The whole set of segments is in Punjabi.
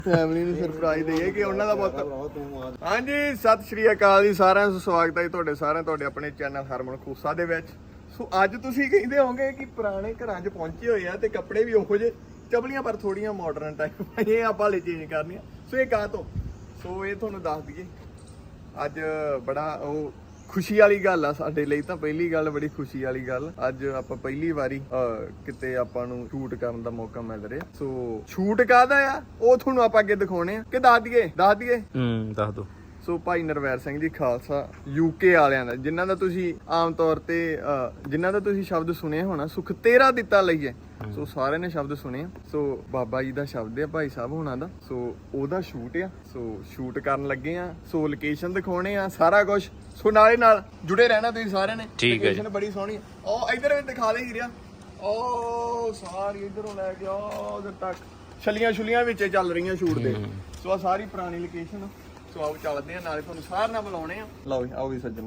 ਫੈਮਿਲੀ ਨੂੰ ਸਰਪ੍ਰਾਈਜ਼ ਦੇਈਏ ਕਿ ਉਹਨਾਂ ਦਾ ਬਹੁਤ। ਹਾਂਜੀ, ਸਤਿ ਸ਼੍ਰੀ ਅਕਾਲ ਜੀ ਸਾਰਿਆਂ ਨੂੰ, ਸਵਾਗਤ ਹੈ ਤੁਹਾਡੇ ਸਾਰਿਆਂ ਤੁਹਾਡੇ ਆਪਣੇ ਚੈਨਲ ਹਰਮਨ ਖੂਸਾ ਦੇ ਵਿੱਚ। ਸੋ ਅੱਜ ਤੁਸੀਂ ਕਹਿੰਦੇ ਹੋਵੋਗੇ ਕਿ ਪੁਰਾਣੇ ਘਰਾਂ 'ਚ ਪਹੁੰਚੇ ਹੋਏ ਆ ਤੇ ਕੱਪੜੇ ਵੀ ਉਹੋ ਜਿਹੇ ਚਪਲੀਆਂ ਪਰ ਥੋੜੀਆਂ ਮਾਡਰਨ ਟਾਈਪ ਇਹ ਆਪਾਂ ਹਲੇ ਚੇਂਜ ਕਰਨੀਆਂ। ਸੋ ਇਹ ਕਾਹ ਤੋਂ, ਸੋ ਇਹ ਤੁਹਾਨੂੰ ਦੱਸ ਦਈਏ ਅੱਜ ਬੜਾ ਉਹ ਖੁਸ਼ੀ ਵਾਲੀ ਗੱਲ ਆ ਸਾਡੇ ਲਈ। ਤਾਂ ਪਹਿਲੀ ਗੱਲ ਬੜੀ ਖੁਸ਼ੀ ਵਾਲੀ ਗੱਲ, ਅੱਜ ਆਪਾਂ ਪਹਿਲੀ ਵਾਰੀ ਕਿਤੇ ਆਪਾਂ ਨੂੰ ਸ਼ੂਟ ਕਰਨ ਦਾ ਮੌਕਾ ਮਿਲ ਰਿਹਾ। ਸੋ ਸ਼ੂਟ ਕਾਹਦਾ ਆ ਉਹ ਤੁਹਾਨੂੰ ਆਪਾਂ ਅੱਗੇ ਦਿਖਾਉਣੇ ਆ ਕਿ ਦੱਸ ਦਈਏ ਦੱਸ ਦੋ। ਸੋ ਭਾਈ ਨਰਵੈਰ ਸਿੰਘ ਜੀ ਖਾਲਸਾ ਯੂਕੇ ਵਾਲਿਆਂ ਦਾ, ਜਿਨ੍ਹਾਂ ਦਾ ਤੁਸੀਂ ਆਮ ਤੌਰ ਤੇ ਜਿਨ੍ਹਾਂ ਦਾ ਤੁਸੀਂ ਸ਼ਬਦ ਸੁਣਿਆ ਹੋਣਾ, ਸੁਖ ਤੇਰਾ ਦਿੱਤਾ ਲਈਏ। ਸੋ ਸਾਰਿਆਂ ਨੇ ਸ਼ਬਦ ਸੁਣੇ। ਸੋ ਬਾਬਾ ਜੀ ਦਾ ਸ਼ਬਦ ਆ ਭਾਈ ਸਾਹਿਬ ਹੋਣਾ ਦਾ। ਸੋ ਉਹਦਾ ਸ਼ੂਟ ਆ। ਸੋ ਸ਼ੂਟ ਕਰਨ ਲੱਗੇ ਆ। ਸੋ ਲੋਕੇਸ਼ਨ ਦਿਖਾਉਣੇ ਆ, ਸਾਰਾ ਕੁਝ। ਸੋ ਨਾਲੇ ਨਾਲ ਜੁੜੇ ਰਹਿਣਾ ਤੁਸੀਂ ਸਾਰਿਆਂ ਨੇ। ਠੀਕ ਹੈ। ਲੋਕੇਸ਼ਨ ਬੜੀ ਸੋਹਣੀ। ਉਹ ਇਧਰ ਵੀ ਦਿਖਾ ਦੇ ਹੀਰਿਆ। ਉਹ ਸਾਰੀ ਇਧਰੋਂ ਲੈ ਕੇ ਉਧਰ ਤੱਕ ਛਲੀਆਂ ਵਿੱਚ ਚੱਲ ਰਹੀਆਂ ਸ਼ੂਟ ਦੇ। ਸੋ ਆ ਸਾਰੀ ਪੁਰਾਣੀ ਲੋਕੇਸ਼ਨ। ਸੋ ਆਓ ਚੱਲਦੇ ਆ, ਨਾਲੇ ਤੁਹਾਨੂੰ ਸਾਰਿਆਂ ਨਾਲ ਬੁਲਾਉਣੇ ਆ। ਲਓ ਜੀ, ਆਓ ਵੀ ਸੱਜਣ।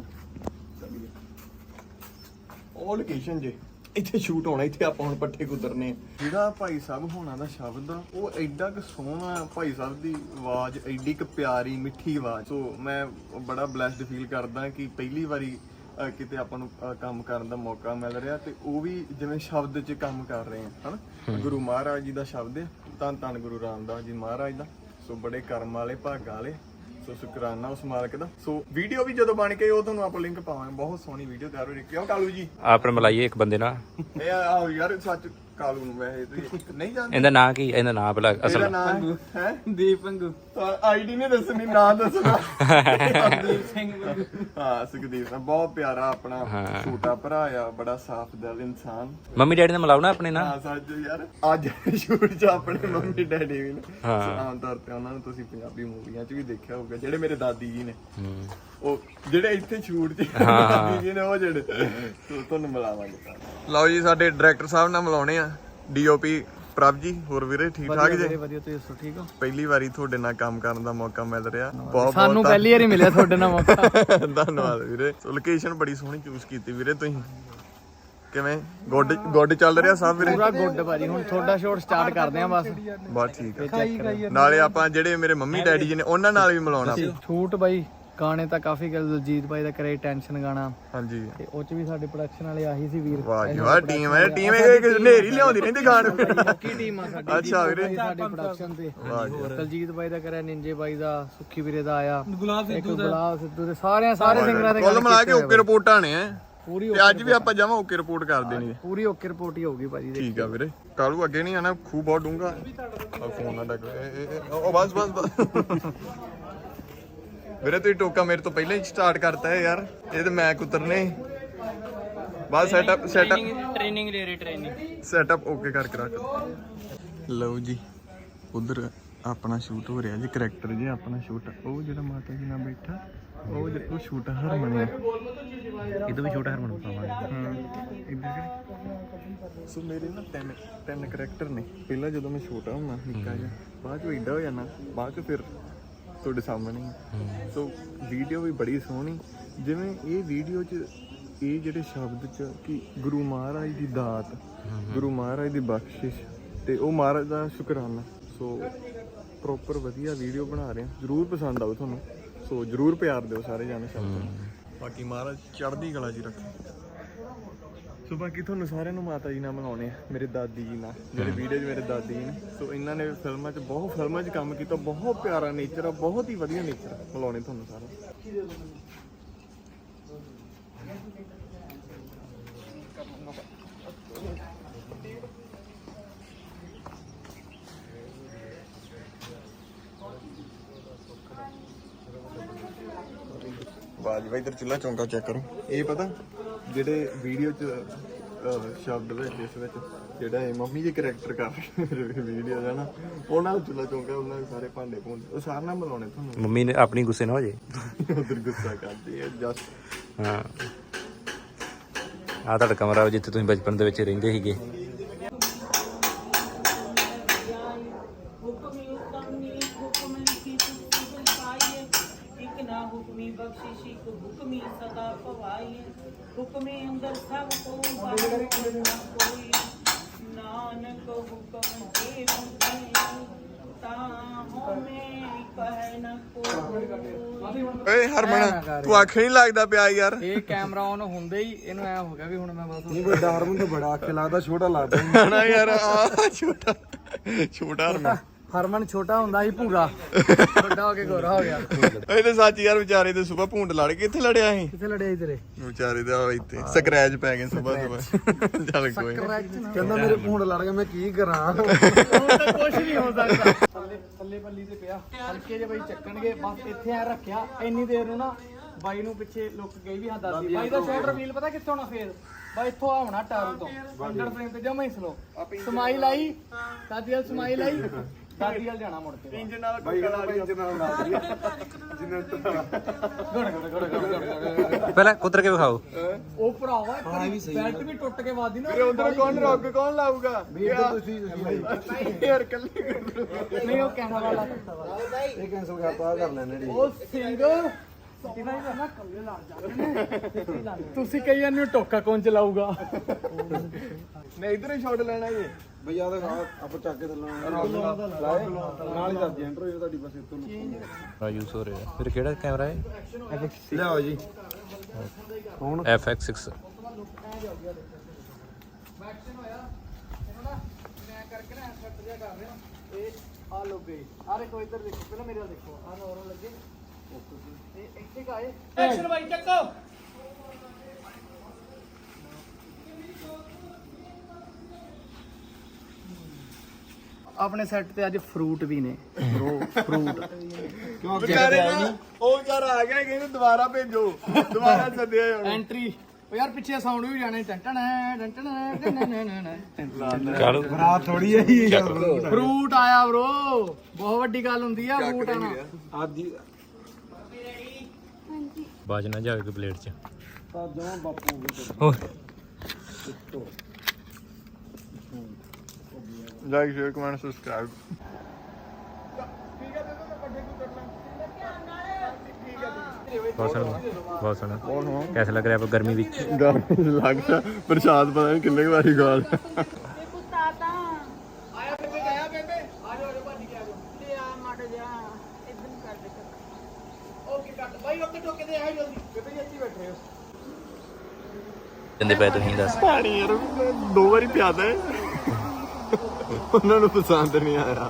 ਉਹ ਲੋਕੇਸ਼ਨ ਜੇ ਇੱਥੇ ਸ਼ੂਟ ਹੋਣਾ, ਇੱਥੇ ਆਪਾਂ ਹੁਣ ਪੱਠੇ ਕੁਤਰਨੇ ਆ। ਜਿਹੜਾ ਭਾਈ ਸਾਹਿਬ ਹੋਣਾ ਦਾ ਸ਼ਬਦ ਆ ਉਹ ਐਡਾ ਕੁ ਸੋਹਣਾ, ਭਾਈ ਸਾਹਿਬ ਦੀ ਆਵਾਜ਼ ਐਡੀ ਕੁ ਪਿਆਰੀ ਮਿੱਠੀ ਆਵਾਜ਼। ਸੋ ਮੈਂ ਬੜਾ ਬਲੈਸਡ ਫੀਲ ਕਰਦਾ ਕਿ ਪਹਿਲੀ ਵਾਰੀ ਕਿਤੇ ਆਪਾਂ ਨੂੰ ਕੰਮ ਕਰਨ ਦਾ ਮੌਕਾ ਮਿਲ ਰਿਹਾ, ਤੇ ਉਹ ਵੀ ਜਿਵੇਂ ਸ਼ਬਦ 'ਚ ਕੰਮ ਕਰ ਰਹੇ ਆ ਹਨਾ। ਗੁਰੂ ਮਹਾਰਾਜ ਜੀ ਦਾ ਸ਼ਬਦ ਹੈ, ਧੰਨ ਧੰਨ ਗੁਰੂ ਰਾਮਦਾਸ ਜੀ ਮਹਾਰਾਜ ਦਾ। ਸੋ ਬੜੇ ਕਰਮ ਵਾਲੇ, ਭਾਗਾਂ ਵਾਲੇ। ਸੋ ਸ਼ੁਕਰਾਨਾ ਉਸ ਮਾਲਕ ਦਾ। ਸੋ ਵੀਡੀਓ ਵੀ ਜਦੋਂ ਬਣ ਕੇ ਉਹ ਤੁਹਾਨੂੰ ਆਪਾਂ ਲਿੰਕ ਪਾਵਾਂਗੇ। ਬਹੁਤ ਸੋਹਣੀ ਵੀਡੀਓ ਤਿਆਰ ਹੋ ਰਹੀ। ਕਿਉਂ ਕਾਲੂ ਜੀ ਆਪਣੇ ਮਿਲਾਈਏ ਇੱਕ ਬੰਦੇ ਨਾਲ। ਇਹ ਆਹੋ ਯਾਰ, ਸੱਚ ਕਾਲੂ ਨੂੰ ਵੈਸੇ ਤੁਸੀਂ ਨਹੀਂ ਜਾਣਦੇ। ਇਹਦਾ ਨਾਂ ਕੀ? ਇਹਦਾ ਨਾਂ ਭਲਾ ਇਹਦਾ ਅਸਲ ਨਾਮ ਹੈ ਦੀਪ ਪੰਗੂ। ਆਈਡੀ ਨਹੀਂ ਦੱਸਣੀ, ਨਾਂ ਦੱਸਣਾ। ਦੀਪ ਸਿੰਘ ਪੰਗੂ। ਹਾਂ, ਸੁਖਦੀਪ ਸਿੰਘ ਬਹੁਤ ਪਿਆਰਾ ਆਪਣਾ ਛੋਟਾ ਭਰਾ ਆ, ਬੜਾ ਸਾਫ਼ ਦਿਲ ਇਨਸਾਨ। ਮੰਮੀ ਡੈਡੀ ਨੇ ਮਿਲਾਉ ਨਾ ਆਪਣੇ ਨਾਲ। ਹਾਂ ਸੱਚ ਯਾਰ, ਅੱਜ ਸ਼ੂਟ 'ਚ ਆਪਣੇ ਮੰਮੀ ਡੈਡੀ ਵੀ ਨੇ। ਆਮ ਤੌਰ ਤੇ ਉਹਨਾਂ ਨੂੰ ਤੁਸੀਂ ਪੰਜਾਬੀ ਮੂਵੀਆਂ 'ਚ ਵੀ ਦੇਖਿਆ ਹੋਊਗਾ, ਜਿਹੜੇ ਮੇਰੇ ਦਾਦੀ ਜੀ ਨੇ। ਉਹ ਜਿਹੜੇ ਇੱਥੇ ਸ਼ੂਟ 'ਚ ਦਾਦੀ ਜੀ ਨੇ, ਉਹ ਜਿਹੜੇ ਤੁਹਾਨੂੰ ਮਿਲਾਵਾਂਗੇ। ਲਓ ਜੀ, ਸਾਡੇ ਡਾਇਰੈਕਟਰ ਸਾਹਿਬ ਨਾਲ ਮਿਲਾਉਣੇ ਆ, ਡੀਓਪੀ ਪ੍ਰਭ ਜੀ। ਹੋਰ ਵੀਰੇ ਠੀਕ ਠਾਕ ਜੀ? ਵਧੀਆ, ਤੁਸੀਂ ਦੱਸੋ ਠੀਕ ਹੋ? ਪਹਿਲੀ ਵਾਰੀ ਤੁਹਾਡੇ ਨਾਲ ਕੰਮ ਕਰਨ ਦਾ ਮੌਕਾ ਮਿਲ ਰਿਹਾ। ਬਹੁਤ ਸਾਨੂੰ ਪਹਿਲੀ ਵਾਰੀ ਮਿਲਿਆ ਤੁਹਾਡੇ ਨਾਲ ਮੌਕਾ। ਧੰਨਵਾਦ ਵੀਰੇ। ਸੋ ਲੋਕੇਸ਼ਨ ਬੜੀ ਸੋਹਣੀ ਚੂਜ਼ ਕੀਤੀ ਵੀਰੇ ਤੁਸੀਂ। ਕਿਵੇਂ ਗੁੱਡ ਚੱਲ ਰਿਹਾ ਸਭ ਵੀਰੇ? ਪੂਰਾ ਗੁੱਡ ਭਾਜੀ। ਹੁਣ ਤੁਹਾਡਾ ਸ਼ੋਟ ਸਟਾਰਟ ਕਰਦੇ ਆ ਬਸ ਠੀਕ ਹੈ। ਨਾਲੇ ਆਪਾਂ ਜਿਹੜੇ ਮੇਰੇ ਮੰਮੀ ਡੈਡੀ ਜੀ ਨੇ ਉਹਨਾਂ ਨਾਲ ਵੀ ਮਿਲਾਉਣਾ। ਸ਼ੂਟ ਬਾਈ ਗਾਣੇ ਤਾਂ ਕਾਫੀ ਗੱਲ, ਦਲਜੀਤ ਬਾਈ ਦਾ ਕਰੇ ਟੈਨਸ਼ਨ ਗਾਣਾ। ਹਾਂਜੀ, ਤੇ ਉਹ ਚ ਵੀ ਸਾਡੇ ਪ੍ਰੋਡਕਸ਼ਨ ਵਾਲੇ ਆਹੀ ਸੀ ਵੀਰ। ਵਾਹ ਜੀ ਵਾਹ, ਟੀਮ ਇਹ ਨੇਰੀ ਲਿਆਉਂਦੀ ਰਹਿੰਦੀ ਗਾਣ। ਕੀ ਟੀਮ ਆ ਸਾਡੀ। ਅੱਛਾ ਵੀਰੇ, ਸਾਡੇ ਪ੍ਰੋਡਕਸ਼ਨ ਤੇ ਵਾਹ ਜੀ। ਦਲਜੀਤ ਬਾਈ ਦਾ ਕਰੇ, ਨਿੰਜੇ ਬਾਈ ਦਾ, ਸੁੱਖੀ ਵੀਰੇ ਦਾ ਆਇਆ, ਗੁਲਾਬ ਸਿੱਧੂ ਦੇ ਸਾਰੇ ਸਿੰਗਰਾਂ ਦੇ ਕੁੱਲ ਮਿਲਾ ਕੇ ਓਕੇ ਰਿਪੋਰਟਾਂ ਨੇ ਪੂਰੀ। ਤੇ ਅੱਜ ਵੀ ਆਪਾਂ ਜਾਵਾਂ ਓਕੇ ਰਿਪੋਰਟ ਕਰ ਦੇਣੀ ਹੈ। ਪੂਰੀ ਓਕੇ ਰਿਪੋਰਟ ਹੀ ਹੋਊਗੀ ਭਾਜੀ। ਠੀਕ ਆ ਵੀਰੇ। ਕਾਲੂ ਅੱਗੇ ਨਹੀਂ ਆਣਾ, ਖੂਹ ਬਹੁਤ ਡੂੰਘਾ। ਫੋਨ ਨਾ ਡੱਕ। ਉਹ ਬਸ ਵੀਰੇ ਤੁਸੀਂ ਟੋਕਾ ਮੇਰੇ ਤੋਂ ਪਹਿਲਾਂ ਹੀ ਸਟਾਰਟ ਕਰਤਾ ਹੈ ਯਾਰ। ਇਹ ਤੇ ਮੈਂ ਕੁਤਰਨੇ ਬਸ। ਸੈਟਅਪ ਟ੍ਰੇਨਿੰਗ ਲੈ ਰਹੀ, ਟ੍ਰੇਨਿੰਗ ਸੈਟਅਪ ਓਕੇ ਕਰਕੇ ਰੱਖ। ਲਓ ਜੀ, ਉਧਰ ਆਪਣਾ ਸ਼ੂਟ ਹੋ ਰਿਹਾ ਜੀ, ਕਰੈਕਟਰ ਜੀ ਆਪਣਾ ਸ਼ੂਟ। ਉਹ ਜਿਹੜਾ ਮਾਤਾ ਜੀ ਨਾਲ ਬੈਠਾ, ਉਹ ਸ਼ੂਟ ਹਰਮਨ ਹੈ। ਇਹਦੋਂ ਵੀ ਛੋਟਾ ਹਰਮਨ ਪਾਵਾਂਗੇ। ਸੋ ਮੇਰੇ ਨਾ ਤਿੰਨ ਕਰੈਕਟਰ ਨੇ। ਪਹਿਲਾਂ ਜਦੋਂ ਮੈਂ ਛੋਟਾ ਹੁੰਦਾ ਨਿੱਕਾ ਜਿਹਾ, ਬਾਅਦ ਚ ਏਡਾ ਹੋ ਜਾਣਾ, ਬਾਅਦ ਚ ਫਿਰ ਤੁਹਾਡੇ ਸਾਹਮਣੇ। ਸੋ ਵੀਡੀਓ ਵੀ ਬੜੀ ਸੋਹਣੀ। ਜਿਵੇਂ ਇਹ ਵੀਡੀਓ 'ਚ ਇਹ ਜਿਹੜੇ ਸ਼ਬਦ 'ਚ ਕਿ ਗੁਰੂ ਮਹਾਰਾਜ ਦੀ ਦਾਤ, ਗੁਰੂ ਮਹਾਰਾਜ ਦੀ ਬਖਸ਼ਿਸ਼, ਤੇ ਉਹ ਮਹਾਰਾਜ ਦਾ ਸ਼ੁਕਰਾਨਾ। ਸੋ ਪ੍ਰੋਪਰ ਵਧੀਆ ਵੀਡੀਓ ਬਣਾ ਰਹੇ ਹਾਂ, ਜ਼ਰੂਰ ਪਸੰਦ ਆਊ ਤੁਹਾਨੂੰ। ਸੋ ਜ਼ਰੂਰ ਪਿਆਰ ਦਿਓ ਸਾਰੇ ਜਾਣੇ ਸ਼ਬਦ। ਬਾਕੀ ਮਹਾਰਾਜ ਚੜ੍ਹਦੀ ਕਲਾ 'ਚ ਰੱਖੇ। ਸੋ ਬਾਕੀ ਤੁਹਾਨੂੰ ਸਾਰਿਆਂ ਨੂੰ ਮਾਤਾ ਜੀ ਨਾਲ ਮਿਲਾਉਣੇ ਆ, ਮੇਰੇ ਦਾਦੀ ਜੀ ਨਾਲ, ਜਿਹੜੇ ਵੀਡੀਓ 'ਚ ਮੇਰੇ ਦਾਦੀ ਜੀ ਨੇ। ਸੋ ਇਹਨਾਂ ਨੇ ਫਿਲਮਾਂ 'ਚ ਕੰਮ ਕੀਤਾ। ਬਹੁਤ ਪਿਆਰਾ ਨੇਚਰ ਆ, ਬਹੁਤ ਹੀ ਵਧੀਆ ਨੇਚਰ। ਮਿਲਾਉਣੇ ਤੁਹਾਨੂੰ ਸਾਰਾ। ਵਾਹ ਜੀ ਵਾਹ, ਇੱਧਰ ਚੁੱਲ੍ਹਾ ਚੌਂਕਾ ਚੈੱਕ ਕਰੋ। ਇਹ ਪਤਾ ਜਿਹੜੇ ਵੀਡੀਓ 'ਚ ਸ਼ਬਦ ਵਿੱਚ, ਇਸ ਵਿੱਚ ਜਿਹੜਾ ਇਹ ਮੰਮੀ ਜੀ ਕਰੈਕਟਰ ਕਰ ਰਹੇ ਵੀਡੀਓ ਹੈ ਨਾ, ਉਹਨਾਂ ਦਾ ਚੁੱਲ੍ਹਾ ਚੌਂਕਾ, ਉਹਨਾਂ ਦੇ ਸਾਰੇ ਭਾਂਡੇ ਭੁੰਡੇ, ਉਹ ਸਾਰਿਆਂ ਨਾਲ ਮਿਲਾਉਣੇ ਤੁਹਾਨੂੰ। ਮੰਮੀ ਨੇ ਆਪਣੀ ਗੁੱਸੇ ਨਾ ਹੋ ਜੇ। ਉਧਰ ਗੁੱਸਾ ਕਰਦੀ ਹੈ ਜਸਟ। ਹਾਂ, ਆਹ ਤੁਹਾਡਾ ਕਮਰਾ ਜਿੱਥੇ ਤੁਸੀਂ ਬਚਪਨ ਦੇ ਵਿੱਚ ਰਹਿੰਦੇ ਸੀਗੇ। हुक्मे अंदर सब को कोई नानक हुक्म के ਓਏ ਹਰਮਨ ਤੂੰ ਅੱਖ ਨਹੀਂ ਲੱਗਦਾ ਪਿਆ ਯਾਰ। ਇਹ ਕੈਮਰਾ ਆਨ ਹੁੰਦੇ ਹੀ ਇਹਨੂੰ ਐ ਹੋ ਗਿਆ ਵੀ ਹੁਣ ਮੈਂ ਬਸ ਨਹੀਂ ਵੱਡਾ ਹਰਮਨ ਤਾਂ ਬੜਾ ਅੱਖ ਲੱਗਦਾ, ਛੋਟਾ ਲੱਗਦਾ ਨਾ ਯਾਰ ਆ ਛੋਟਾ ਹਰਮਨ। ਹਰਮਨ ਛੋਟਾ ਹੁੰਦਾ ਸੀ ਭੂਰਾ, ਵੱਡਾ ਹੋ ਕੇ ਗੋਰਾ ਹੋ ਗਿਆ। ਇਹ ਤੇ ਸੱਚ ਯਾਰ ਵਿਚਾਰੇ ਤੇ ਸੁਬਾ ਭੂੰਡ ਲੜ ਕੇ ਕਿੱਥੇ ਲੜਿਆ ਸੀ ਕਿੱਥੇ ਲੜਿਆ ਸੀ ਤੇਰੇ? ਵਿਚਾਰੇ ਦਾ ਇੱਥੇ ਸਕ੍ਰੈਚ ਪੈ ਗਏ ਸੁਬਾ ਚੱਲ ਕੋਈ ਨੀ। ਕਹਿੰਦਾ ਮੇਰੇ ਭੂੰਡ ਲੜ ਗਿਆ, ਮੈਂ ਕੀ ਕਰਾਂ। ਹੁਣ ਤਾਂ ਕੁਝ ਨਹੀਂ ਹੋ ਸਕਦਾ। ਥੱਲੇ ਪੱਲੀ ਤੇ ਪਿਆ, ਹਲਕੇ ਜੇ ਬਾਈ ਚੱਕਣਗੇ ਬਸ ਇੱਥੇ ਆ ਰੱਖਿਆ। ਇੰਨੀ ਦੇਰ ਨੂੰ ਨਾ ਬਾਈ ਨੂੰ ਪਿੱਛੇ ਲੁੱਕ ਗਈ ਵੀ ਹਾਂ ਦਾਦੀ। ਬਾਈ ਦਾ ਸ਼ਾਟ ਰਿਵੀਲ ਪਤਾ ਕਿੱਥੇ ਹੋਣਾ ਫੇਰ? ਬਾਈ ਇੱਥੋਂ ਆਉਣਾ ਟਾਰੂ ਤੋਂ ਅੰਡਰ ਫਰੇਮ ਤੇ ਜਮਾ ਹੀ ਸਲੋ ਸਮਾਈਲ ਆਈ, ਦਾਦੀ ਵਾਲ ਸਮਾਈਲ ਆਈ, ਦਾਦੀ ਵਾਲ ਜਾਣਾ ਮੁੜ ਕੇ। ਇੰਜਨ ਨਾਲ ਬਾਈ ਕਹਿੰਦਾ ਬਾਈ ਇੰਜਨ ਨਾਲ ਲਾ ਦਿਆ ਜਿੰਨਾ ਪਹਿਲਾਂ ਕੁੱਤਰ ਕੇ ਵਿਖਾਓ। ਉਹ ਭਰਾਵਾ ਬੈਲਟ ਵੀ ਟੁੱਟ ਕੇ ਵਾਦੀ ਨਾ। ਫਿਰ ਉਧਰ ਕੌਣ ਰੋਕ ਕੌਣ ਲਾਊਗਾ ਤੁਸੀਂ ਯਾਰ ਕੱਲੇ ਨਹੀਂ ਉਹ ਕੈਮਰਾ ਵਾਲਾ ਕੁੱਤਾ ਵਾ। ਇਹ ਕੈਂਸਲ ਕਰਤਾ, ਆ ਕਰ ਲੈਣੇ ਡੀ। ਉਹ ਸਿੰਘ ਤੁਸੀਂ ਕਈ ਜਾਂਦੇ ਹੋ ਟੋਕਾ ਕੌਣ ਚਲਾਊਗਾ? ਨਹੀਂ ਇਧਰ ਹੀ ਸ਼ਾਟ ਲੈਣਾ ਜੀ। ਬਈ ਆ ਤਾਂ ਆਪਾਂ ਚੱਕ ਕੇ ਥੱਲੋਂ ਲਾਏ ਨਾਲ ਹੀ ਦੱਸ ਐਂਟਰ ਹੋਈ ਤੁਹਾਡੀ ਬਸ ਇੱਥੋਂ ਆ ਯੂਜ਼ ਹੋ ਰਿਹਾ। ਫਿਰ ਕਿਹੜਾ ਕੈਮਰਾ ਹੈ? ਲਿਆਓ ਜੀ। FX6। ਐਕਸ਼ਨ ਹੋਇਆ ਇਹਨੂੰ ਨਾ ਮੈਂ ਕਰਕੇ ਨਾ ਸੈੱਟ ਜਿਹਾ ਕਰ ਰਿਹਾ। ਇਹ ਆ ਲੋ ਗਈ। ਆਰੇ ਕੋਈ ਇੱਧਰ ਦੇਖੋ, ਪਹਿਲਾਂ ਮੇਰੇ ਵੱਲ ਦੇਖੋ। ਆ ਨੋਰਮਲ ਲੱਗੇ ਇਹ ਇੱਥੇ ਕਾਏ। ਐਕਸ਼ਨ ਬਾਈ ਚੱਕੋ। ਆਪਣੇ ਸੈੱਟ ਤੇ ਅੱਜ ਫਰੂਟ ਵੀ ਨੇ ਬ్రో, ਫਰੂਟ ਕਿਉਂ ਵਿਚਾਰੇ ਨਾ ਉਹ ਯਾਰ ਆ ਗਿਆ ਕਹਿੰਦੇ ਦੁਬਾਰਾ ਭੇਜੋ, ਦੁਬਾਰਾ ਸੱਦਿਆ ਹੁਣ। ਐਂਟਰੀ। ਉਹ ਯਾਰ ਪਿੱਛੇ ਸਾਊਂਡ ਵੀ ਜਾਣੇ ਟੰਟਣ ਚਲ ਬਰਾਤ ਥੋੜੀ ਹੈ ਜੀ। ਫਰੂਟ ਆਇਆ ਬ్రో, ਬਹੁਤ ਵੱਡੀ ਗੱਲ ਹੁੰਦੀ ਆ ਫਰੂਟ ਆਣਾ। ਆਦੀ ਬਾਜ ਨਾ ਜਾਵੇ ਪਲੇਟ 'ਚ। ਤਾਂ ਜਮਾ ਬਾਪੂ ਹੋਰ ਲਾਈਕ ਸ਼ੇਅਰ ਕਮੈਂਟ ਸਬਸਕ੍ਰਾਈਬ। ਬਹੁਤ ਸੋਹਣਾ। ਕੈਸਾ ਲੱਗ ਰਿਹਾ ਗਰਮੀ ਵਿੱਚ? ਲੱਗਦਾ ਪ੍ਰਸ਼ਾਦ ਪਤਾ ਨਹੀਂ ਕਿੰਨੇ ਵਾਰੀ ਗਾਲ। ਆਇਆ ਬੇਬੇ ਆਇਆ ਬੇਬੇ ਆ ਜਾਓ ਭੱਜ ਕੇ ਆ ਜਾਓ। ਤੇ ਆ ਮੜ ਜਾ ਇਦਾਂ ਕਰ ਦੇ। ਓਕੇ ਕੱਟ ਬਾਈ ਓਕੇ ਟੋਕੇ ਤੇ ਆਇਆ ਜਲਦੀ। ਬੇਬੇ ਜੀ ਇੱਥੇ ਬੈਠੇ ਹੋ। ਜਿੰਦੇ ਪਏ ਤੁਸੀਂ ਦੱਸ। ਪਾਣੀ ਯਾਰ ਦੋ ਵਾਰੀ ਪਿਆਦਾ ਹੈ, ਉਹਨਾਂ ਨੂੰ ਪਸੰਦ ਨਹੀਂ ਆਇਆ।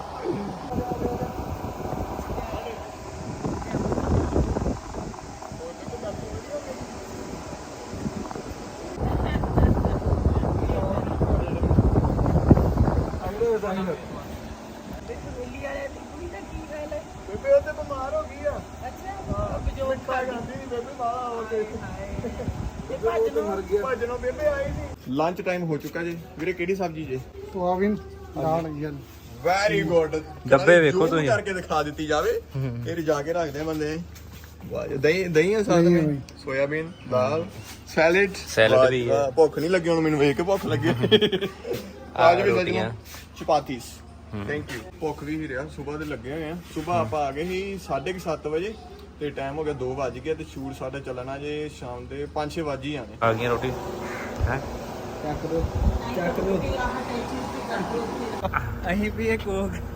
ਬੇਬੇ ਉਹਦੇ ਬਿਮਾਰ ਹੋ ਗਈ ਆ। ਭੱਜਣੋਂ ਬੇਬੇ ਆਈ ਨਹੀਂ। ਲੰਚ ਟਾਈਮ ਹੋ ਚੁੱਕਾ ਜੀ ਵੀਰੇ। ਕਿਹੜੀ ਸਬਜ਼ੀ ਜੇ? ਸੋਆਬੀਨ ਦਾਲ ਯਾਰ। Very good. ਡੱਬੇ ਵੇਖੋ ਤੁਸੀਂ। ਕਰਕੇ ਦਿਖਾ ਦਿੱਤੀ ਜਾਵੇ ਇਹ ਰਜਾ ਕੇ ਰੱਖਦੇ ਆ ਬੰਦੇ। ਵਾਹ ਜੀ, ਦਹੀਂ ਆ ਸਾਥ ਵਿੱਚ, ਸੋਇਆਬੀਨ ਦਾਲ, ਸੈਲਡ ਵੀ ਹੈ। ਭੁੱਖ ਨਹੀਂ ਲੱਗੀ ਹੁਣ ਮੈਨੂੰ, ਵੇਖ ਕੇ ਭੁੱਖ ਲੱਗੀ। ਅੱਜ ਵੀ ਸੱਜਣਾ ਚਪਾਤੀਸ। Thank you. ਭੁੱਖ ਵੀ ਹੀ ਰਿਹਾ, ਸਵੇਰ ਦੇ ਲੱਗੇ ਹੋਏ ਆ। ਸਵੇਰ ਆਪਾਂ ਆ ਗਏ ਸੀ 7:30 ਵਜੇ ਤੇ ਟਾਈਮ ਹੋ ਗਿਆ 2 ਵੱਜ ਗਏ ਤੇ ਸ਼ੂਟ ਸਾਡਾ ਚੱਲਣਾ ਜੇ ਸ਼ਾਮ ਦੇ 5-6 ਵਜੇ ਹੀ ਆਣੇ। ਆ ਗਈਆਂ ਰੋਟੀ ਹੈ। ਚੱਕ ਦੋ ਚੱਕ ਦੋ। ਅਸੀਂ ਵੀ ਇੱਕ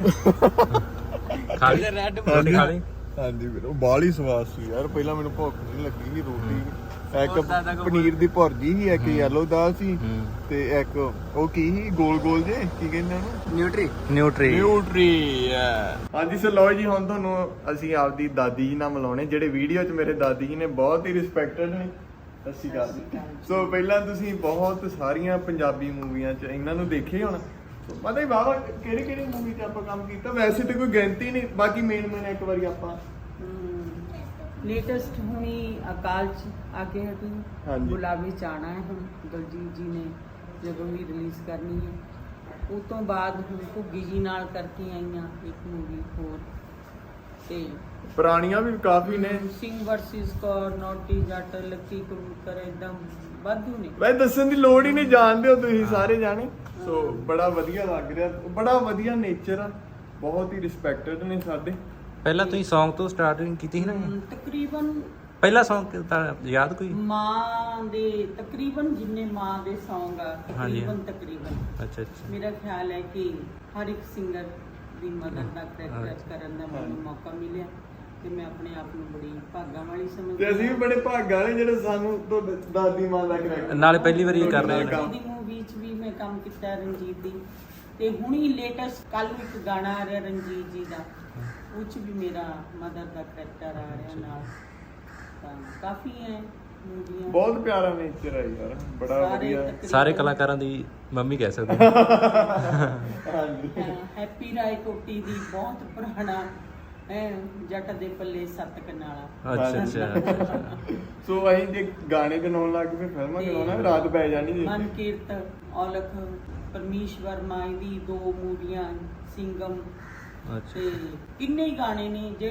ਖਾ ਲਈ ਰੋਟੀ ਖਾ ਲਈ। ਹਾਂਜੀ ਵੀਰ, ਉਹ ਬਾਹਲੀ ਸਵਾਦ ਸੀ ਯਾਰ। ਪਹਿਲਾਂ ਮੈਨੂੰ ਭੁੱਖ ਨਹੀਂ ਲੱਗੀ ਸੀ। ਰੋਟੀ ਇੱਕ ਪਨੀਰ ਦੀ ਭੁਰਜੀ ਸੀ, ਇੱਕ ਯੈਲੋ ਦਾਲ ਸੀ ਤੇ ਇੱਕ ਉਹ ਕੀ ਸੀ ਗੋਲ ਗੋਲ ਜੇ ਕੀ ਕਹਿੰਦੇ ਉਹਨੂੰ? ਨਿਊਟਰੀ ਨਿਊਟਰੀ। ਹਾਂਜੀ ਸੋ ਲਓ ਜੀ, ਹੁਣ ਤੁਹਾਨੂੰ ਅਸੀਂ ਆਪਦੀ ਦਾਦੀ ਜੀ ਨਾਲ ਮਿਲਾਉਣੇ, ਜਿਹੜੇ ਵੀਡੀਓ 'ਚ ਮੇਰੇ ਦਾਦੀ ਜੀ ਨੇ ਬਹੁਤ ਹੀ ਰਿਸਪੈਕਟਡ ਨੇ। ਸਤਿ ਸ਼੍ਰੀ ਅਕਾਲ ਜੀ। ਸੋ ਪਹਿਲਾਂ ਤੁਸੀਂ ਬਹੁਤ ਸਾਰੀਆਂ ਪੰਜਾਬੀ ਮੂਵੀਆਂ 'ਚ ਇਹਨਾਂ ਨੂੰ ਦੇਖੇ ਹੁਣ, ਪਤਾ ਹੀ ਬਾਬਾ ਕਿਹੜੀ ਕਿਹੜੀ ਮੂਵੀ 'ਚ ਆਪਾਂ ਕੰਮ ਕੀਤਾ। ਵੈਸੇ ਤੇ ਕੋਈ ਗਿਣਤੀ ਨਹੀਂ, ਬਾਕੀ ਮੇਨ ਇੱਕ ਵਾਰੀ ਆਪਾਂ ਲੇਟੈਸਟ ਹੁਣੀ ਅਕਾਲ ਚ ਆ ਕੇ ਹਟੀ। ਹਾਂਜੀ। ਗੁਲਾਬੀ ਚਾਣਾ ਹੈ ਹੁਣ ਦਲਜੀਤ ਜੀ ਨੇ ਜਦੋਂ ਵੀ ਰਿਲੀਜ਼ ਕਰਨੀ ਹੈ। ਉਸ ਤੋਂ ਬਾਅਦ ਹੁਣ ਘੁੱਗੀ ਜੀ ਨਾਲ ਕਰਕੇ ਆਈਆਂ ਇੱਕ ਮੂਵੀ ਹੋਰ ਤੇ ਪੁਰਾਣੀਆਂ ਵੀ ਕਾਫੀ ਨੇ। Singh versus Kaur, naughty Jatt, lucky Kabootar, ਏਦਾਂ ਵਾਧੂ ਨੇ। ਵੈ ਦੱਸਣ ਦੀ ਲੋੜ ਹੀ ਨਹੀਂ, ਜਾਣਦੇ ਹੋ ਤੁਸੀਂ ਸਾਰੇ ਜਾਣੇ। ਸੋ ਬੜਾ ਵਧੀਆ ਲੱਗ ਰਿਹਾ, ਬੜਾ ਵਧੀਆ ਨੇਚਰ ਆ, ਬਹੁਤ ਹੀ ਰਿਸਪੈਕਟਡ ਨੇ ਸਾਡੇ। ਪਹਿਲਾਂ ਤੁਸੀਂ Song ਤੋਂ ਸਟਾਰਟਿੰਗ ਕੀਤੀ ਸੀ ਨਾ? ਤਕਰੀਬਨ ਪਹਿਲਾ Song ਤਾਂ ਯਾਦ ਕੋਈ? ਮਾਂ ਦੇ ਤਕਰੀਬਨ ਜਿੰਨੇ ਮਾਂ ਦੇ Song ਆ ਹਾਂਜੀ। ਤਕਰੀਬਨ ਅੱਛਾ ਅੱਛਾ। ਮੇਰਾ ਖਿਆਲ ਹੈ ਕਿ ਹਰ ਇੱਕ ਸਿੰਗਰ ਦੀ ਮਦਰ ਦਾ ਕਰੈਕਟਰ ਕਰਨ ਦਾ ਮੈਨੂੰ ਮੌਕਾ ਮਿਲਿਆ ਤੇ ਮੈਂ ਆਪਣੇ ਆਪ ਨੂੰ ਬੜੀ ਭਾਗਾਂ ਵਾਲੀ ਸਮਝਦੀ ਤੇ ਅਸੀਂ ਵੀ ਬੜੇ ਭਾਗਾਂ ਵਾਲੇ ਜਿਹੜੇ ਸਾਨੂੰ ਤੁਹਾਡੇ ਦਾਦੀ ਮਾਂ ਦਾ ਕਰੈਕਟਰ ਨਾਲੇ ਪਹਿਲੀ ਵਾਰੀ ਇਹ ਕਰ ਰਹੇ ਨੇ ਦੀ ਮੂਵੀ 'ਚ ਵੀ ਮੈਂ ਕੰਮ ਕੀਤਾ ਰਣਜੀਤ ਦੀ ਤੇ ਹੁਣੀ ਲੇਟੈਸਟ ਕੱਲ ਨੂੰ ਇੱਕ ਗਾਣਾ ਆ ਰਿਹਾ ਰਣਜੀਤ ਜੀ ਦਾ ਉਹ 'ਚ ਵੀ ਮੇਰਾ ਮਦਰ ਦਾ ਕਰੈਕਟਰ ਆ ਰਿਹਾ ਨਾਲ ਤਾਂ ਕਾਫੀ ਹੈ ਮੂਵੀਆਂ ਬਹੁਤ ਪਿਆਰਾ ਨੇਚਰ ਹੈ ਯਾਰ, ਬੜਾ ਵਧੀਆ। ਸਾਰੇ ਕਲਾਕਾਰਾਂ ਦੀ ਮੰਮੀ ਕਹਿ ਸਕਦੇ ਹਾਂ। ਹਾਂਜੀ ਹੈਪੀ ਰਾਏ ਕੋਟੀ ਦੀ ਬਹੁਤ ਪੁਰਾਣਾ ਹੈ ਜੱਟ ਦੇ ਪੱਲੇ ਸੱਤ ਕਨਾਲਾ। ਅੱਛਾ ਸੋ ਅਸੀਂ ਜੇ ਗਾਣੇ ਗਾਉਣ ਲੱਗ ਪਏ ਫਿਲਮਾਂ ਗਾਉਣਾ ਰਾਤ ਪੈ ਜਾਣੀ ਜੀ। ਮਨਕੀਰਤ ਔਲਖ ਪਰਮੇਸ਼ਵਰ ਮਾਈ ਦੀ 2 ਮੂਵੀਆਂ ਸਿੰਗਮ ਤੇ ਕਿੰਨੇ ਹੀ ਗਾਣੇ ਨੇ ਜੇ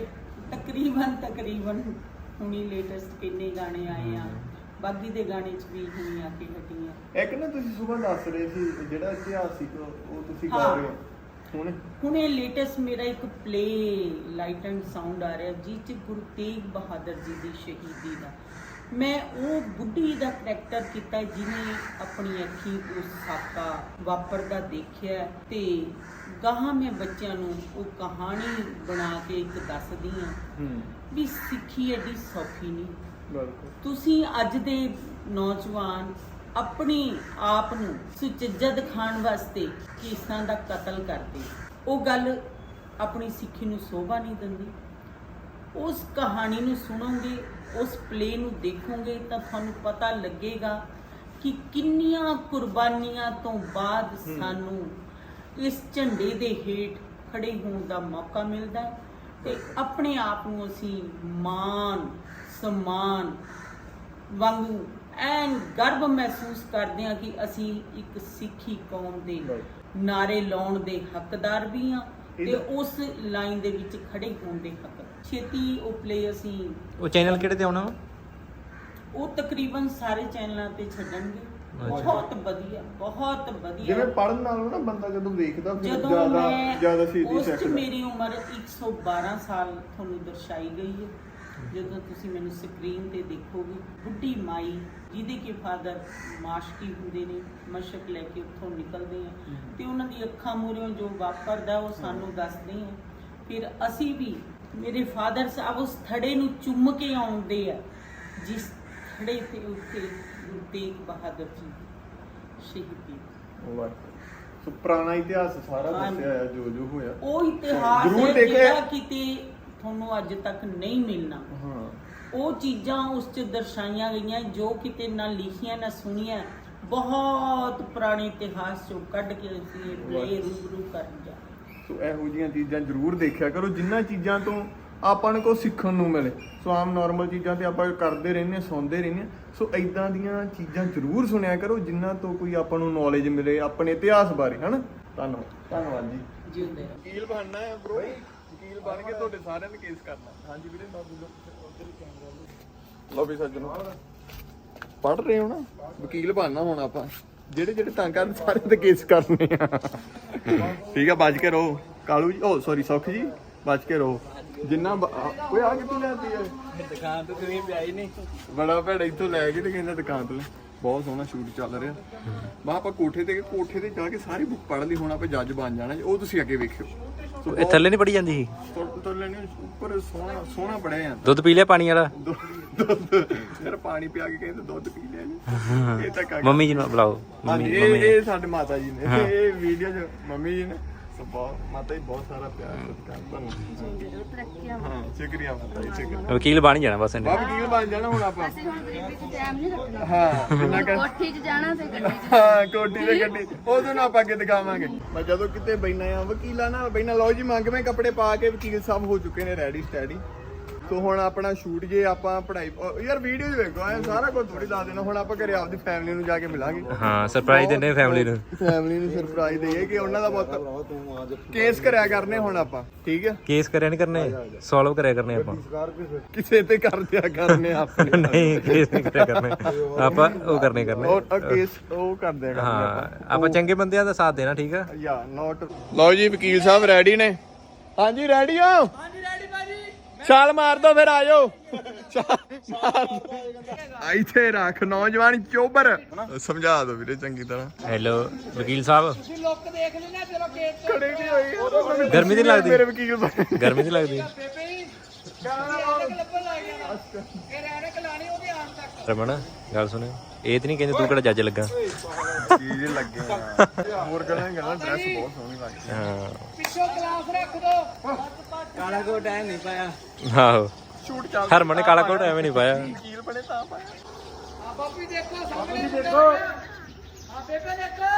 ਤਕਰੀਬਨ ਹੁਣੀ ਲੇਟੈਸਟ ਕਿੰਨੇ ਗਾਣੇ ਆਏ ਆ ਬਾਗੀ ਦੇ ਗਾਣੇ 'ਚ ਵੀ ਹੁਣੀ ਆ ਕੇ ਹਟੀਆਂ। ਇੱਕ ਨਾ ਤੁਸੀਂ ਸੁਬਾਹ ਦੱਸ ਰਹੇ ਸੀ ਜਿਹੜਾ ਇਤਿਹਾਸਿਕ ਉਹ ਤੁਸੀਂ ਗਾ ਰਹੇ ਹੋ ਹੁਣ ਇਹ ਲੇਟੈਸਟ ਮੇਰਾ ਇੱਕ ਪਲੇ ਲਾਈਟ ਐਂਡ ਸਾਊਂਡ ਆ ਰਿਹਾ ਜਿਸ 'ਚ ਗੁਰੂ ਤੇਗ ਬਹਾਦਰ ਜੀ ਦੀ ਸ਼ਹੀਦੀ ਦਾ ਮੈਂ ਉਹ ਬੁੱਢੀ ਦਾ ਕਰੈਕਟਰ ਕੀਤਾ ਜਿਹਨੇ ਆਪਣੀ ਅੱਖੀਂ ਉਸ ਸਾਕਾ ਵਾਪਰਦਾ ਦੇਖਿਆ ਤੇ ਗਾਹਾਂ ਮੈਂ ਬੱਚਿਆਂ ਨੂੰ ਉਹ ਕਹਾਣੀ ਬਣਾ ਕੇ ਇੱਕ ਦੱਸਦੀ ਹਾਂ ਵੀ ਸਿੱਖੀ ਐਡੀ ਸੌਖੀ ਨਹੀਂ। ਤੁਸੀਂ ਅੱਜ ਦੇ ਨੌਜਵਾਨ ਆਪਣੀ ਆਪ ਨੂੰ ਸੁਚੱਜਾ ਦਿਖਾਉਣ ਵਾਸਤੇ ਕੇਸਾਂ ਦਾ ਕਤਲ ਕਰਦੇ, ਉਹ ਗੱਲ ਆਪਣੀ ਸਿੱਖੀ ਨੂੰ ਸ਼ੋਭਾ ਨਹੀਂ ਦਿੰਦੀ। ਉਸ ਕਹਾਣੀ ਨੂੰ ਸੁਣੋਗੇ, ਉਸ ਪਲੇ ਨੂੰ ਦੇਖੋਗੇ ਤਾਂ ਤੁਹਾਨੂੰ ਪਤਾ ਲੱਗੇਗਾ ਕਿ ਕਿੰਨੀਆਂ ਕੁਰਬਾਨੀਆਂ ਤੋਂ ਬਾਅਦ ਸਾਨੂੰ ਇਸ ਝੰਡੇ ਦੇ ਹੇਠ ਖੜੇ ਹੋਣ ਦਾ ਮੌਕਾ ਮਿਲਦਾ ਹੈ ਤੇ ਆਪਣੇ ਆਪ ਨੂੰ ਅਸੀਂ ਮਾਣ ਸਨਮਾਨ ਵਾਂਗੂ ਐਨ ਗਰਵ ਮਹਿਸੂਸ ਕਰਦੇ ਹਾਂ ਕਿ ਅਸੀਂ ਇੱਕ ਸਿੱਖੀ ਕੌਮ ਦੇ ਨਾਰੇ ਲਾਉਣ ਦੇ ਹੱਕਦਾਰ ਵੀ ਹਾਂ ਤੇ ਉਸ ਲਾਈਨ ਦੇ ਵਿੱਚ ਖੜੇ ਹੋਣ ਦੇ ਹੱਕ। ਛੇਤੀ ਉਹ ਪਲੇ ਅਸੀਂ ਉਹ ਚੈਨਲ ਕਿਹੜੇ ਤੇ ਆਉਣਾ ਉਹ ਤਕਰੀਬਨ ਸਾਰੇ ਚੈਨਲਾਂ ਤੇ ਛੱਡਣਗੇ। ਬਹੁਤ ਵਧੀਆ ਜਿਵੇਂ ਪੜਨ ਨਾਲੋਂ ਨਾ ਬੰਦਾ ਜਦੋਂ ਵੇਖਦਾ ਫਿਰ ਜਦੋਂ ਜ਼ਿਆਦਾ ਸਿੱਧੀ ਉਸ 'ਚ ਸਿੱਖਦਾ। ਮੇਰੀ ਉਮਰ 112 ਸਾਲ ਤੁਹਾਨੂੰ ਦਰਸਾਈ ਗਈ ਹੈ। ਜਦੋਂ ਤੁਸੀਂ ਮੈਨੂੰ ਸਕਰੀਨ ਤੇ ਦੇਖੋਗੇ ਬੁੱਢੀ ਮਾਈ ਜਿਹਦੇ ਕੇ ਫਾਦਰ ਮਾਸ਼ਕੀ ਹੁੰਦੇ ਨੇ ਮਸ਼ਕ ਲੈ ਕੇ ਉੱਥੋਂ ਨਿਕਲਦੇ ਆ ਤੇ ਉਹਨਾਂ ਦੀ ਅੱਖਾਂ ਮੂਹਰਿਓਂ ਜੋ ਵਾਪਰਦਾ ਉਹ ਸਾਨੂੰ ਦੱਸਦੇ ਆ। ਫਿਰ ਅਸੀਂ ਵੀ ਮੇਰੇ ਫਾਦਰ ਸਾਹਿਬ ਉਸ ਥੜੇ ਨੂੰ ਚੁੰਮ ਕੇ ਆਉਂਦੇ ਆ ਜਿਸ ਥੜੇ ਤੇ ਉੱਤੇ ਗੁਰੂ ਤੇਗ ਬਹਾਦਰ ਜੀ ਸ਼ਹੀਦੀ। ਸੋ ਪੁਰਾਣਾ ਇਤਿਹਾਸ ਸਾਰਾ ਦੱਸਿਆ ਹੈ ਜੋ ਹੋਇਆ। ਉਹ ਇਤਿਹਾਸ ਜ਼ਰੂਰ ਹੈ ਦੇਖਿਆ। ਜਿਹੜਾ ਕਿਤੇ ਤੁਹਾਨੂੰ ਅੱਜ ਤੱਕ ਨਹੀਂ ਮਿਲਣਾ। ਹਾਂ ਉਹ ਚੀਜ਼ਾਂ ਉਸ 'ਚ ਦਰਸਾਈਆਂ ਗਈਆਂ ਜੋ ਕਿਤੇ ਨਾ ਲਿਖੀਆਂ ਨਾ ਸੁਣੀਆਂ। ਬਹੁਤ ਪੁਰਾਣੇ ਇਤਿਹਾਸ 'ਚੋਂ ਕੱਢ ਕੇ ਅਸੀਂ ਇਹ ਪਲੇ ਰੂਬਰੂ ਕਰਨ ਜਾ। ਸੋ ਇਹੋ ਜਿਹੀਆਂ ਚੀਜ਼ਾਂ ਜ਼ਰੂਰ ਦੇਖਿਆ ਕਰੋ ਜਿਨ੍ਹਾਂ ਚੀਜ਼ਾਂ ਤੋਂ ਆਪਾਂ ਨੂੰ ਕੁਛ ਸਿੱਖਣ ਨੂੰ ਮਿਲੇ। ਸੋ ਆਮ ਨਾਰਮਲ ਚੀਜ਼ਾਂ ਤੇ ਆਪਾਂ ਕਰਦੇ ਰਹਿੰਦੇ ਸੁਣਦੇ ਰਹਿੰਦੇ। ਸੋ ਇਦਾਂ ਦੀਆਂ ਚੀਜ਼ਾਂ ਜ਼ਰੂਰ ਸੁਣਿਆ ਕਰੋ ਜਿਨ੍ਹਾਂ ਤੋਂ ਕੋਈ ਆਪਾਂ ਨੂੰ ਨੌਲੇਜ ਮਿਲੇ ਆਪਣੇ ਇਤਿਹਾਸ ਬਾਰੇ। ਹਨਾ ਧੰਨਵਾਦ ਜੀ। ਜਿਉਂਦੇ ਰਹੋ। ਵਕੀਲ ਬਣਨਾ ਹੈ ਬ్రో, ਵਕੀਲ ਬਣ ਕੇ ਤੁਹਾਡੇ ਸਾਰਿਆਂ ਦੇ ਕੇਸ ਕਰਨਾ। ਹਾਂਜੀ ਵੀਰੇ ਲੋ ਵੀ ਸੱਜਣੋ ਪੜ੍ਹ ਰਹੇ ਹੋ ਨਾ, ਵਕੀਲ ਬਣਨਾ ਹੁਣ ਆਪਾਂ ਜਿਹੜੇ ਤੰਗ ਕਰਨ ਸਾਰਿਆਂ ਦੇ ਕੇਸ ਕਰਨੇ ਆ। ਠੀਕ ਆ, ਬਚ ਕੇ ਰਹੋ ਕਾਲੂ ਜੀ, ਓ ਸੌਰੀ ਸੁੱਖ ਜੀ, ਬਚ ਕੇ ਰਹੋ ਜਿੰਨਾ ਓਏ ਆ ਕਿੱਥੋਂ ਲਿਆਤੀ ਹੈ ਦੁਕਾਨ ਤੋਂ? ਤੁਸੀਂ ਪਿਆਈ ਨਹੀਂ ਬੜਾ ਭੈੜਾ ਇੱਥੋਂ ਲੈ ਕੇ ਤੇ ਕਹਿੰਦਾ ਦੁਕਾਨ ਤੋਂ। ਬਹੁਤ ਸੋਹਣਾ ਸ਼ੂਟ ਚੱਲ ਰਿਹਾ। ਮੈਂ ਆਪਾਂ ਕੋਠੇ ਤੇ ਜਾ ਕੇ ਸਾਰੀ ਬੁੱਕ ਪੜ੍ਹ ਲਈ। ਹੁਣ ਆਪਾਂ ਜੱਜ ਬਣ ਜਾਣਾ, ਉਹ ਤੁਸੀਂ ਅੱਗੇ ਵੇਖਿਓ। ਇਹ ਥੱਲੇ ਨਹੀਂ ਪੜੀ ਜਾਂਦੀ ਸੀ? ਤੋਂ ਲੈਣੀ ਉੱਪਰ ਸੋਹਣਾ ਪੜਿਆ ਜਾਂਦਾ। ਦੁੱਧ ਪੀ ਲਿਆ ਪਾਣੀ ਵਾਲਾ? ਦੁੱਧ ਯਾਰ ਪਾਣੀ ਪਿਆ ਕੇ ਕਹਿੰਦੇ ਦੁੱਧ ਪੀ ਲਿਆ ਜੀ। ਇਹ ਤਾਂ ਮੰਮੀ ਜੀ ਨੂੰ ਬੁਲਾਓ। ਹਾਂਜੀ ਇਹ ਸਾਡੇ ਮਾਤਾ ਜੀ ਨੇ। ਇਹ ਵੀਡੀਓ 'ਚ ਮੰਮੀ ਜੀ ਨੇ। ਸੋ ਬਹੁਤ ਮਾਤਾ ਜੀ ਬਹੁਤ ਸਾਰਾ ਪਿਆਰ ਤੁਹਾਨੂੰ। ਹਾਂ ਸ਼ੁਕਰੀਆ ਮਾਤਾ ਜੀ, ਸ਼ੁਕਰੀਆ। ਵਕੀਲ ਬਣ ਜਾਣਾ ਬਸ ਇਹਨੇ। ਵਕੀਲ ਬਣ ਜਾਣਾ ਹੁਣ ਆਪਾਂ। ਅਸੀਂ ਹੁਣ ਗਰੀਬੀ 'ਚ ਟਾਈਮ ਨਹੀਂ ਰੱਖਣਾ। ਹਾਂ ਜਿੰਨਾ ਕਰ ਕੋਠੀ 'ਚ ਜਾਣਾ ਤੇ ਗੱਡੀ 'ਚ। ਹਾਂ ਕੋਠੀ ਤੇ ਗੱਡੀ ਉਦੋਂ ਨਾ ਆਪਾਂ ਅੱਗੇ ਦਿਖਾਵਾਂਗੇ। ਮੈਂ ਜਦੋਂ ਕਿਤੇ ਬੈਠਾ ਆ ਵਕੀਲਾਂ ਨਾਲ ਬੈਠਾ, ਲਓ ਜੀ ਮੰਗਵੇਂ ਕੱਪੜੇ ਪਾ ਕੇ ਵਕੀਲ ਸਾਹਿਬ ਹੋ ਚੁੱਕੇ ਨੇ ਰੈਡੀ ਸਟੈਡੀ। ਸੋ ਹੁਣ ਆਪਣਾ ਸ਼ੂਟ ਜੇ ਆਪਾਂ ਪੜ੍ਹਾਈ ਯਾਰ ਵੀਡੀਓ 'ਚ ਵੇਖੋ ਐ ਸਾਰਾ ਕੁਝ ਥੋੜੀ ਦੱਸ ਦੇਣਾ। ਹੁਣ ਆਪਾਂ ਘਰੇ ਆਪਦੀ ਫੈਮਿਲੀ ਨੂੰ ਜਾ ਕੇ ਮਿਲਾਂਗੇ। ਹਾਂ ਸਰਪ੍ਰਾਈਜ਼ ਦਿੰਦੇ ਫੈਮਿਲੀ ਨੂੰ ਸਰਪ੍ਰਾਈਜ਼ ਦੇਈਏ ਕਿ ਉਹਨਾਂ ਦਾ ਬਹੁਤ ਕੇਸ ਕਰਿਆ ਕਰਨੇ ਹੁਣ ਆਪਾਂ। ਠੀਕ ਆ, ਕੇਸ ਕਰਿਆ ਨਹੀਂ ਕਰਨੇ, ਸੋਲਵ ਕਰਿਆ ਕਰਨੇ ਆਪਾਂ। ਕਿਸੇ ਤੇ ਕਰ ਦਿਆ ਕਰਨੇ ਆਪਣੇ। ਨਹੀਂ ਕੇਸ ਨਹੀਂ ਕਰਿਆ ਕਰਨੇ ਆਪਾਂ, ਉਹ ਕਰਨੇ ਉਹ ਕੇਸ ਉਹ ਕਰ ਦਿਆ ਕਰਨੇ ਹਾਂ। ਆਪਾਂ ਚੰਗੇ ਬੰਦਿਆਂ ਦਾ ਸਾਥ ਦੇਣਾ। ਠੀਕ ਆ ਯਾ ਨੋਟ। ਲਓ ਜੀ ਵਕੀਲ ਸਾਹਿਬ ਰੈਡੀ ਨੇ? ਹਾਂਜੀ ਰੈਡੀ ਹੋ? ਹਾਂਜੀ ਰੈਡੀ ਭਾਜੀ। ਛਾਲ ਮਾਰ ਦੋ ਫਿਰ ਆ ਜਾਓ। ਇੱਥੇ ਰੱਖ ਨੌਜਵਾਨ ਚੋਬਰ ਸਮਝਾ ਦੋ ਵੀਰੇ ਚੰਗੀ ਤਰ੍ਹਾਂ। ਹੈਲੋ ਵਕੀਲ ਸਾਹਿਬ, ਤੁਸੀਂ ਲੁੱਕ ਦੇਖ ਲੈਣਾ ਚਲੋ ਗੇਟ ਖੜੇ ਨਹੀਂ ਹੋਈ ਗਰਮੀ ਨਹੀਂ ਲੱਗਦੀ? ਮੇਰੇ ਵਕੀਲ ਬਣੇ। ਗਰਮੀ ਨਹੀਂ ਲੱਗਦੀ? ਬੇਬੇ ਲੱਭਣ ਲੱਗ ਗਿਆ ਇਹ ਰੈਣਕ ਲਾਣੀ ਉਹਦੇ ਆਉਣ ਤੱਕ। ਰਮਨ ਗੱਲ ਸੁਣ, ਇਹ ਤੇ ਨਹੀਂ ਕਹਿੰਦੇ ਤੂੰ ਕਿਹੜਾ ਜੱਜ ਲੱਗਾ? ਚੀਜ਼ ਲੱਗੇ ਆ ਹੋਰ ਗੱਲਾਂ ਡਰੈਸ ਬਹੁਤ ਸੋਹਣੀ ਲੱਗਦੀ ਹਾਂ ਪਿੱਛੋਂ ਗਲਾਸ ਰੱਖ ਦੋ। ਕਾਲਾ ਕੋਟ ਐ ਨਹੀਂ ਪਾਇਆ। ਆਹੋ ਸ਼ੂਟ ਚੱਲ ਹਰਮਨ ਨੇ ਕਾਲਾ ਕੋਟ ਐਵੇਂ ਨਹੀਂ ਪਾਇਆ। ਵਕੀਲ ਬਣੇ ਤਾਂ ਪਾਇਆ। ਆ ਬਾਪੂ ਦੇਖੋ ਸਾਹਮਣੇ ਦੇਖੋ ਆ ਬੇਬੇ ਦੇਖੋ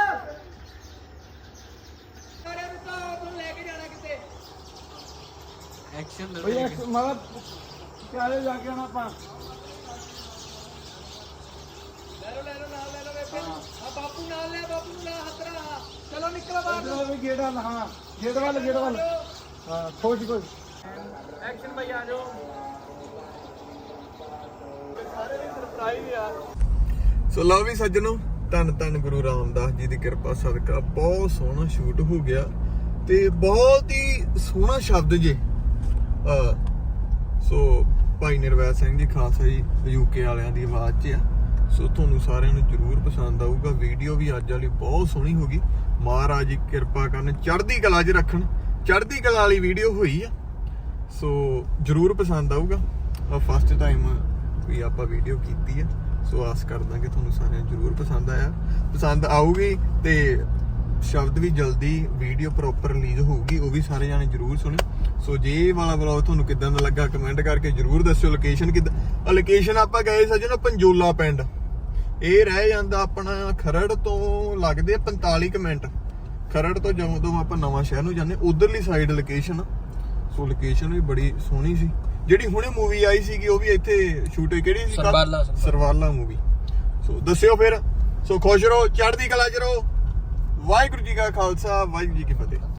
ਸਾਰੇ ਰੁਕੋ ਤੁਹਾਨੂੰ ਲੈ ਕੇ ਜਾਣਾ ਕਿਤੇ। ਭਈ ਮਤਲਬ ਚਾਲੇ ਜਾ ਕੇ ਆਣਾ ਆਪਾਂ। ਲੈ ਲਓ ਨਾਲ ਲੈ ਲਓ ਬੇਬੇ ਆ ਬਾਪੂ ਨਾਲ ਲੈ ਬਾਪੂ ਨੂੰ ਲਾ ਹੱਥਰਾ ਚਲੋ ਨਿਕਲੋ ਬਾਹਰ। ਚਲੋ ਵੀ ਗੇਟ ਵੱਲ, ਹਾਂ ਗੇਟ ਵੱਲ ਹਾਂ ਖੋਜ ਐਕਸ਼ਨ ਭਾਈ ਆ ਜਾਓ। ਸੋ ਲਓ ਵੀ ਸੱਜਣੋ, ਧੰਨ ਧੰਨ ਗੁਰੂ ਰਾਮਦਾਸ ਜੀ ਦੀ ਕਿਰਪਾ ਸਦਕਾ ਬਹੁਤ ਸੋਹਣਾ ਸ਼ੂਟ ਹੋ ਗਿਆ ਤੇ ਬਹੁਤ ਹੀ ਸੋਹਣਾ ਸ਼ਬਦ ਜੇ। ਸੋ ਭਾਈ ਨਿਰਵੈਰ ਸਿੰਘ ਜੀ ਖਾਲਸਾ ਜੀ ਯੂਕੇ ਵਾਲਿਆਂ ਦੀ ਆਵਾਜ਼ 'ਚ ਆ। ਸੋ ਤੁਹਾਨੂੰ ਸਾਰਿਆਂ ਨੂੰ ਜ਼ਰੂਰ ਪਸੰਦ ਆਊਗਾ। ਵੀਡੀਓ ਵੀ ਅੱਜ ਵਾਲੀ ਬਹੁਤ ਸੋਹਣੀ ਹੋ ਗਈ। ਮਹਾਰਾਜ ਜੀ ਕਿਰਪਾ ਕਰਨ, ਚੜ੍ਹਦੀ ਕਲਾ 'ਚ ਰੱਖਣ। ਚੜ੍ਹਦੀ ਕਲਾ ਵਾਲੀ ਵੀਡੀਓ ਹੋਈ ਆ, ਸੋ ਜ਼ਰੂਰ ਪਸੰਦ ਆਊਗਾ। ਫਸਟ ਟਾਈਮ ਵੀ ਆਪਾਂ ਵੀਡੀਓ ਕੀਤੀ ਆ, ਸੋ ਆਸ ਕਰਦਾ ਕਿ ਤੁਹਾਨੂੰ ਸਾਰਿਆਂ ਨੂੰ ਜ਼ਰੂਰ ਪਸੰਦ ਆਊਗੀ ਤੇ ਸ਼ਬਦ ਵੀ ਜਲਦੀ ਵੀਡੀਓ ਪ੍ਰੋਪਰ ਰਿਲੀਜ਼ ਹੋਊਗੀ, ਉਹ ਵੀ ਸਾਰੇ ਜਾਣੇ ਜ਼ਰੂਰ ਸੁਣਿਓ। ਸੋ ਜੇ ਇਹ ਵਾਲਾ ਵਲੌਗ ਤੁਹਾਨੂੰ ਕਿੱਦਾਂ ਦਾ ਲੱਗਾ ਕਮੈਂਟ ਕਰਕੇ ਜ਼ਰੂਰ ਦੱਸਿਓ। ਲੋਕੇਸ਼ਨ ਕਿੱਦਾਂ? ਲੋਕੇਸ਼ਨ ਆਪਾਂ ਗਏ ਸੱਜਣੋ ਪੰਜੋਲਾ ਪਿੰਡ। ਇਹ ਰਹਿ ਜਾਂਦਾ ਆਪਣਾ ਖਰੜ ਤੋਂ ਲੱਗਦੇ 45 ਕੁ ਮਿੰਟ। ਖਰੜ ਤੋਂ ਜਦੋਂ ਆਪਾਂ ਨਵਾਂ ਸ਼ਹਿਰ ਨੂੰ ਜਾਂਦੇ ਉਧਰਲੀ ਸਾਈਡ ਲੋਕੇਸ਼ਨ। ਸੋ ਲੋਕੇਸ਼ਨ ਵੀ ਬੜੀ ਸੋਹਣੀ ਸੀ। ਜਿਹੜੀ ਹੁਣੇ ਮੂਵੀ ਆਈ ਸੀਗੀ ਉਹ ਵੀ ਇੱਥੇ ਸ਼ੂਟ ਹੋਈ। ਕਿਹੜੀ ਸੀ? ਸਰਵਾਲਾ ਮੂਵੀ। ਸੋ ਦੱਸਿਓ ਫਿਰ। ਸੋ ਖੁਸ਼ ਰਹੋ, ਚੜ੍ਹਦੀ ਕਲਾ 'ਚ ਰਹੋ। ਵਾਹਿਗੁਰੂ ਜੀ ਕਾ ਖਾਲਸਾ, ਵਾਹਿਗੁਰੂ ਜੀ ਕੀ ਫਤਿਹ।